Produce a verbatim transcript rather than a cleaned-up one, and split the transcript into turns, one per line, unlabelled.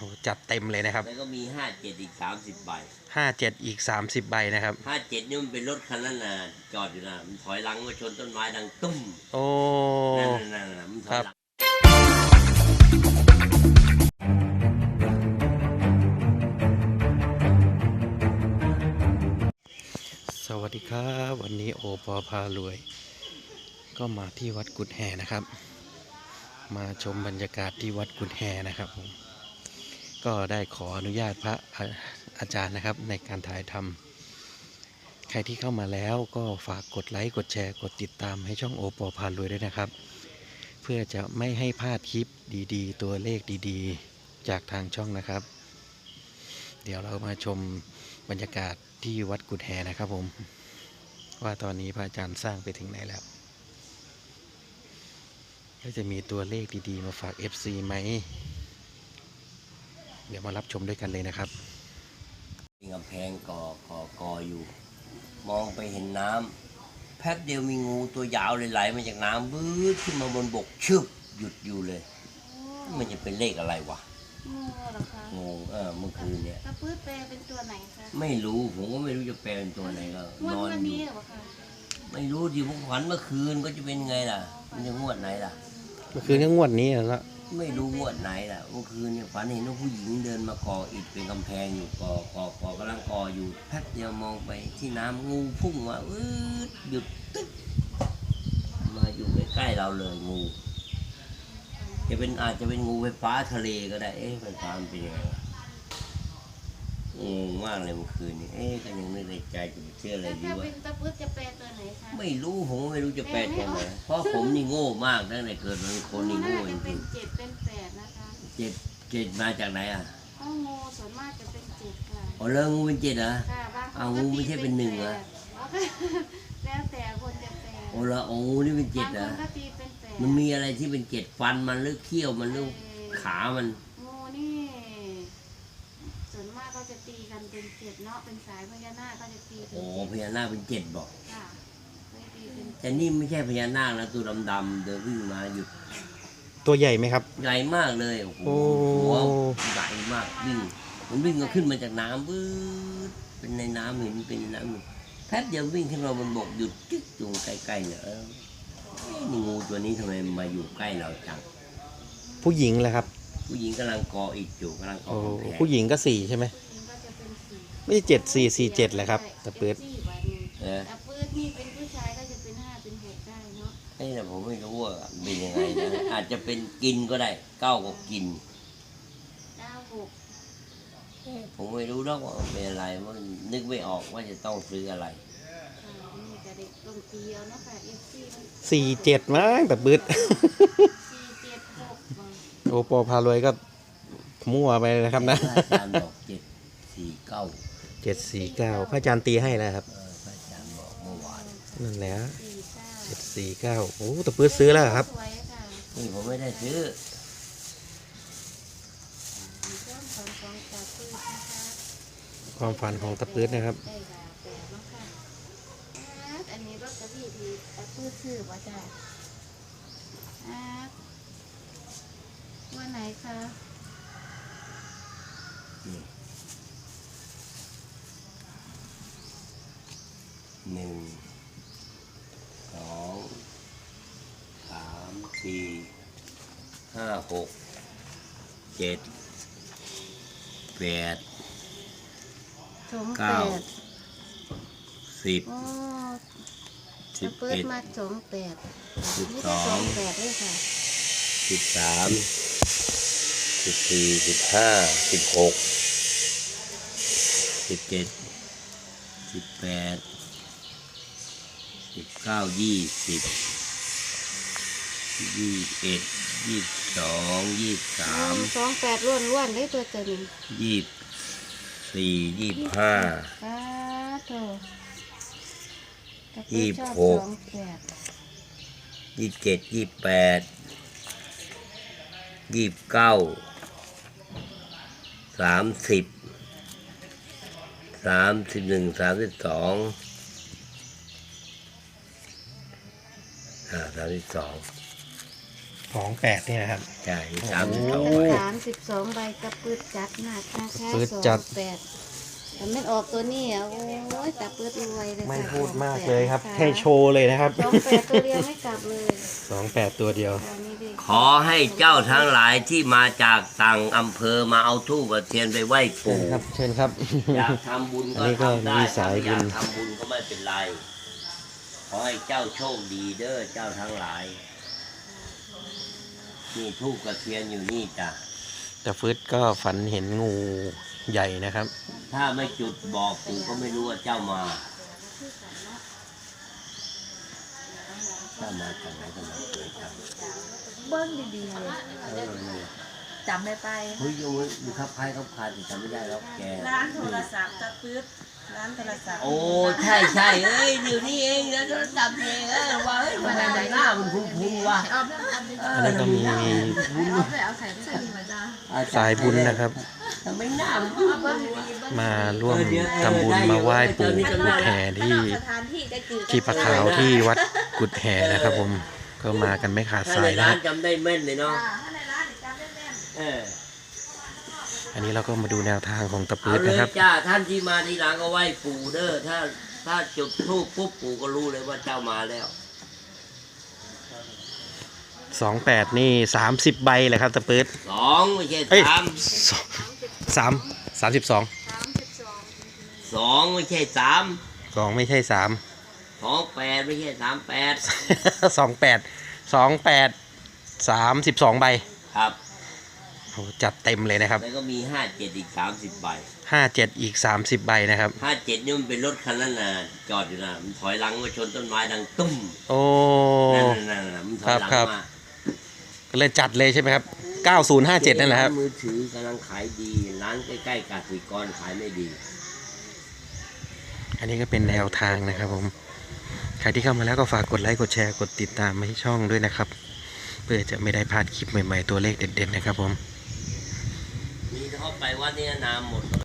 จัดเต็มเลยนะครับ
แล้วก็มีห้าเจ็ดอีกสามสิบใบ
ห้าเจ็ดอีกสามสิบใบนะครับ
ห้าเจ็ดนี่มันเป็นรถคันนั้นน่ะจอดอยู่นะมันถอยหลังมาชนต้นไม้ดังตุ้ม
โอ้
นั่นนั่นนั่นมันถอยหลัง
สวัสดีครับวันนี้โอปอพารวยก็มาที่วัดกุดแห่นะครับมาชมบรรยากาศที่วัดกุดแห่นะครับผมก็ได้ขออนุญาตพระอาจารย์นะครับในการถ่ายทำใครที่เข้ามาแล้วก็ฝากกดไลค์กดแชร์กดติดตามให้ช่องโอปอพารวยด้วยนะครับเพื่อจะไม่ให้พลาดคลิปดีๆตัวเลขดีๆจากทางช่องนะครับเดี๋ยวเรามาชมบรรยากาศที่วัดกุดแห่นะครับผมว่าตอนนี้พระอาจารย์สร้างไปถึงไหนแล้วก็จะมีตัวเลขดีๆมาฝาก เอฟ ซี ไหมเดี๋ยวมารับชมด้วยกันเลยนะครับ
มีกำแพงก่อก่อกออยู่มองไปเห็นน้ำแป๊บเดียวมีงูตัวยาวเลยไหลมาจากน้ำบื้อขึ้นมาบนบกชึบหยุดอยู่เลยมันจะเป็นเลขอะไรวะ
งูเหรอคะ
งูเออเมื่อคืนเนี่ย
ตะปื้ดแปลเป็นตัวไหนคะ
ไม่รู้ผมก็ไม่รู้จะแปลเป็นตัวไหนก็นอนอยู่ไม่รู้ที่ผมฝันเมื่อคืนก็จะเป็นไงล่ะมันจะงวดไหนล่ะ
เมื่อคืนก็งวดนี้แล้ว
ไม่รู้งวดไหนล่ะเมื่อคืนเนี่ยฝันเห็นว่าผู้หญิงเดินมาก่ออิฐเป็นกำแพงอยู่ก่อก่อก่อกำลังก่ออยู่แป๊บเดียวมองไปที่น้ำงูพุ่งมาอืดหยุดตึ๊กมาอยู่ใกล้ๆเราเลยงูจะเป็นอาจจะเป็นงูไฟฟ้าทะเลก็ได้เอ๊ะไฟฟ้ามันเป็นยังไงงงมากเลยเมื่อคืนนี้เอ๊ะก็ยังไม่ได้ใจจะเชื่ออะไรดีวะ
ตะปื้ดจะแปลตัวไหนคะ
ไม่รู้ผมไม่รู้จะแปลตัวไหนเพราะผมนี่โง่มากตั้งแต่เกิดมาเป็นคนนี่โง่จริง
ๆเจ็ดเป็นแปดนะคะ
เจ็ดเจ็ดมาจากไหนอ่ะ
อ๋องูส่วนมากจะเป็นเจ็ดค่ะ
อ๋อเรื่องงูเป็นเจ็ดเหรอ
เอา
งูไม่ใช่เป็นหนึ่งเหรอ
แล้วแต่คนจะแปล
โอ้ละโอ้งูนี่เป็นเจ็ดเหรอมันมีอะไรที่เป็นเจ็ดฟันมันหรือเขี้ยวมันหรือขามัน
งูนี่ส่วนมากก็จะตีกันเป็นเจ็ดเนาะเป็นสายพญานาคก็จะตีเป็น
โอ้พญานาคเป็นเจ็ดบอก
ค่ะ
แต่นี่ไม่ใช่พญานาคแล้วตัวดำๆเดินวิ่งมาหยุด
ตัวใหญ่ไหมครับ
ใหญ่มากเลยโอ้โหหัวใหญ่มากวิ่งมันวิ่งก็ขึ้นมาจากน้ำบื้อเป็นในน้ำเห็นเป็นในน้ำแป๊บเดียววิ่งขึ้นมาบนบกหยุดจิ๊กอยู่ใกล้ๆเนี่ยเออนี่งูตัวนี้ทำไมมาอยู่ใกล้เราจัง
ผู้หญิงแหละครับ
ผู้หญิงกำลังกออิฐอยู่กำลังกอแผง
ผู้หญิงก็สี่ใช่ไหมไม่ใช่เจ็ดสี่สี่เจ็ดแหละครับตะปืด
เออตะปืดนี่เป็นผู้ชายก็จะเป็นห้าเป็นหกได้เนาะ
ไอ้แต่ผมไม่รู้ว่าเป็นยังไงนะอาจจะเป็นกินก็ได้เก้าก็กิน
เก้าหก
ผมไม่รู้หรอกว่าเป็นอะไรมันนึกไม่ออกว่าจะต้องซื้ออะไร
สี่เจ็ดมั้งตะปืดโอปอพารวยก็มั่วไปนะครับนะ
อาจารย์บอกเจ็ดสี่เก้า
เจ็ดสี่เก้าพระอาจารย์ตีให้แล้วครับ
พระอาจารย์บอกเมื่อวาน
นั่นแหละเจ็ดสี่เก้าโอ้ตะปืดซื้อแล้วครับ
นี่ผมไม่ได้ซื้อ
ความฝันของตะปืดนะครับ
อันนี้รถกระบี่ที่ตะปืดซื้อว่าจ้ะว่าไหนคะ
หนึ่งสองสามสี่ห้าหกเจ็ดแปดเก้าสิบสิบเอ็ด
มาสองแปด
สิบสอง
แปดด้วยค่ะ
สิบสามสิบสี่สิบห้าสิบหกสิบเจ็ดสิบแปดสิบเก้ายี่สิบยี่สิบเอ็ดยี่สิบสองยี่สิบสาม
สองแปดล้วนล้วนได้ตัวเต็ม
ยี่สิบสี่ยี่สิบห้ายี่สิบหกยี่สิบเจ็ดยี่สิบแปดยี่สิบเก้าสามสิบสามสิบหนึ่งสามสิบสองอ่าสามสิบสอง
สองแปดนี่นะครับ
ใช่สามสิบสอง
โอ้
ใบ
สามสิบสองใบกระปืดจัดหนักนะคะ
ปื๊ด
สอง
จัด
แปดแต่ไม่ออกตัวนี้อ่ะโอ้ยแต่ปืดรวยเลย
ไม่
ค่ะ
พูดมาก
สองแป
เลยครับ
นะะ
แค่โชว์เลยนะครับ
สองแปดตัวเดียวไม่กลับเลย
สองแปดตัวเดียว
อันนี้ดิ
ขอให้เจ้าทั้งหลายที่มาจากต่างอำเภอมาเอาทูบเทียนไปไหว้
เชิญ
ปู่
ครับเชิญครับ
อยากทำบุญ
อั
ก็
นนี้ก็
ทำได้
มี
ถ้า
สาย
ไม่อยาก
บุญ
ทำบุญก็ไม่เป็นไร ขอให้เจ้าโชคดีเด้อเจ้าทั้งหลาย นี่ทูบกระเทียนอยู่นี่จ้ะ
แต่ฟืดก็ฝันเห็นงูใหญ่นะครับ
ถ้าไม่จุดบอกปู่ก็ไม่รู้ว่าเจ้ามาเจ้ามาจากไหนกันมาเกิดครับ
เบิ้งดีๆเลย
เออนี่
จำไม่ไป
เฮ้ยยังมีครับคล้ายครับคลายแต่จำไม่ได้แล้วแก
ร้านโทรศัพท์ตะปื๊ดร้านโทรศัพท์
โอ้ใช่ใช่เอ้ยเดี๋ยวนี้เองนะโทรศัพท์เองเออว่าเฮ้ยมันอะไรหน้ามันคุ้นๆว่ะ
เอาเรื่องอันนี้
เอ
อันนี้ก็มี
เอาไปเอาใส่ใส่มาจ้า
สายบุญนะครับ
ทำไมหน้ามัน
เอาเบิ้งดีๆเบิ้ง
มาร่วมทำบุญมาไหว้ปู่กุดแห่ที่
สถานที่ได้จืด
ที่ปะขาวที่วัดกุดแห่นะครับผมก็มากันไม่ขาด
ถ้า
สา
ใน
ยนะ
ร้า
คน รับ
จำได้แม่นเลยเนาะ
อ่าถ้าในร้านจำได้แม่น
เออ
อันนี้เราก็มาดูแนวทางของตะปื
เอา
ด
เล
นะ
ย
ครับ
จ้าท่านที่มาทีหลังก็ไหว้ปู่เด้อถ้าถ้าจุดธูปปุ๊บปู่ก็รู้เลยว่าเจ้ามาแล้ว
สองแปดนี่สามสิบใบเลยครับตะปืด
สองไม่ใช่
เอ้ย
สาม
สองสามสามสิบสอง
สามสิบสอง
สองไม่ใช่สาม
สองไม่ใช่สาม
สองแปดไม่ใช่สามแปด
สองแปดสองแปดสามสิบสองใบ
ครับ
โอ้จัดเต็มเลยนะครับ
แล้วก็มีห้าเจ็ดอีกสามสิบใบ
ห้าเจ็ดอีกสามสิบใบนะครับ
ห้าเจ็ดนี่มันเป็นรถคันนั้นน่ะจอดอยู่นะมันถอยหลังมาชนต้นไม้ดังตุ้ม
โอ้
นั่นน่ะนั่นน่ะมันถอยหลัง
ครับ
มา
ก็เลยจัดเลยใช่ไหมครับเก้าศูนย์ห้าเจ็ดนั่นแหละครับ
มือถือกำลังขายดีร้านใกล้ๆกสิกรขายไม่ดี
อันนี้ก็เป็นแนวทางนะครับผม ใครที่เข้ามาแล้วก็ฝากกดไลค์กดแชร์กดติดตามมาให้ช่องด้วยนะครับ เพื่อจะไม่ได้พลาดคลิปใหม่ๆตัวเลขเด็ดๆนะครับผม
มีเข้าไปวัดนี้น้ำหมด